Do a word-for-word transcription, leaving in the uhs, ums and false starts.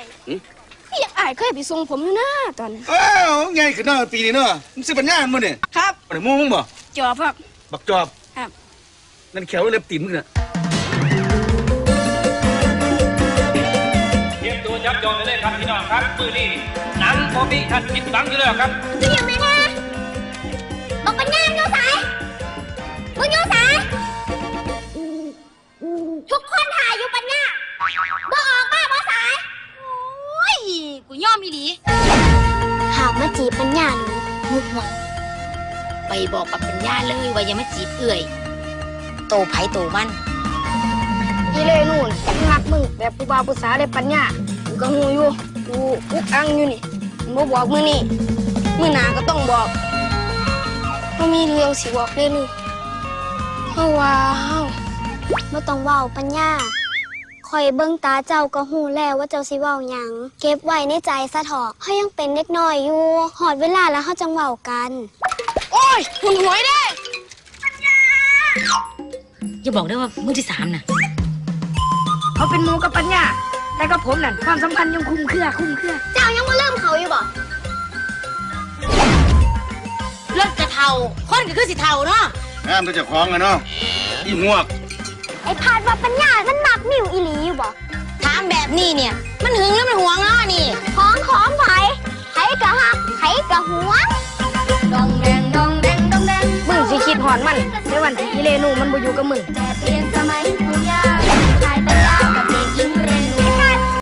พี่อยากอายเคยไปส่งผมอยู่นะตอนอ้าวไงขึ้นหน้าปีนี้เนาะมึงซื้อปัญญาอันมั้งเนี่ยครับอะไรมึงมึงบ่จอบครับบักจอบครับนั่นแขวเล็บตีนมึงน่ะเตรียมตัวจับจองเลยครับพี่น้องครับมือนี้หนังพอพี่ท่านคิดหวังอยู่แล้วครับคือยังไงนะบอกปัญญาโยสายมึงโยสายทุกคนถ่ายอยู่ปัญญาบ่ออกมาบ่สายโอ้ยกูยอมอีหลีหากมาจีบปัญญาหนูมุกหวังไปบอกกับปัญญาเลยว่าอย่ามาจีบเอื่อยโตไผ่โตมันอีเล่นู่นมักมึงแบบผู้บ่าวผู้สาวได้ปัญญากูก็หูอยู่กูอุกอังอยู่นี่บ่บอกมือนี่มือหนาก็ต้องบอกว่ามีเรื่องสิบอกเลยนี่เพราะว่าเฮาบ่ต้องเว้าปัญญาคอยเบิ่งตาเจ้าก็หูแล้วว่าเจ้าสิเว้าหยังเก็บไว้ในใจซะเถอะเฮายังเป็นเด็กน้อยอยู่หอดเวลาแล้วเฮาจังเว้ากันโอ้ยหุ่นหวยเด้อย่าบอกได้ว่ามือที่สามน่ะเขาเป็นหมูกับปัญญาแต่กับผมนั่นความสัมพันธ์ยังคุ้มเครือคุ้มเครือเจ้ายังมาเริ่มเขาอยู่บ่เลิกจะเท่าคนก็คือสิเท่าเนาะงามตัวเจ้าของอะเนาะอีหมวกไอ้พาดว่าปัญญามันมักมิวอีหลีอยู่บ่ถามแบบนี้เนี่ยมันหึงหรือมันหวงเนาะนี่ของของไผไผกะฮักไผกะหวงดองแดงดองแดงดองแดงมึงสิคิดหอนมันในวันที่อีเลนูมันบ่อยู่กับมึงแต่เปลี่ยนสมัยคุณ